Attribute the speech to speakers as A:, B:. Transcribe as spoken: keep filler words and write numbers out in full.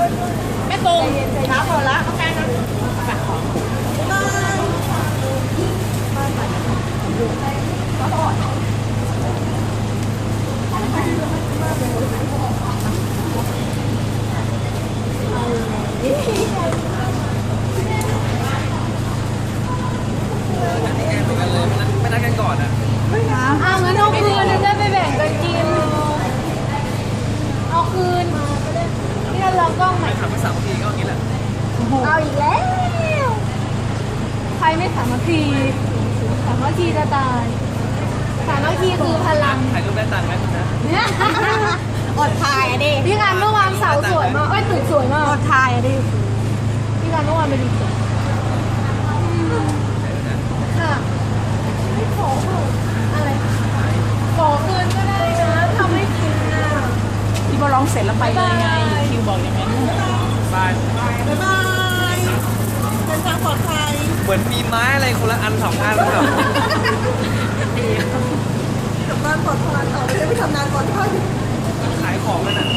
A: แม่ตุงช้าพอละเขาแค่นั้น
B: ไม่นัดกันก่อนอ่ะ
C: อ้าวงั้นเอาคืนจะได้ไปแบ่งกันกินเอาคืนพี่เราลองกล้องใหม่
B: ถามไปสามทีก็อย่างนี้แหละ
C: เอาอีกแล้วใครไม่สามัคคีสามัคคีจะตายสามัคคีคือพลัง
B: ถ่ายรูปได้ตังค์ไหมคุณนะ
A: อดทายอ่ะดิ
C: พี่การเมื่อวานเสาสวยมากเอ้ยตึกสวยมาก
A: อดทายอ่ะดิ
C: พี่การเมื่อวานไปดูตึกค่ะไม่ขออะไรขอคืนก็ได้นะทำให้กินนะ
A: พี่บอลร้องเสร็จแล้วไปเลยไงคิวบอกอย่างนั้น
B: บาย
A: บ๊ายบายเดินทางปลอดภัย
B: เหมือนมีไม้อะไรคนละอันสองอันแบบ
A: กลับบ้านปลอดภัยต่อไปได้ไปทำงานปลอดภัย
B: ขายของกันอ่ะ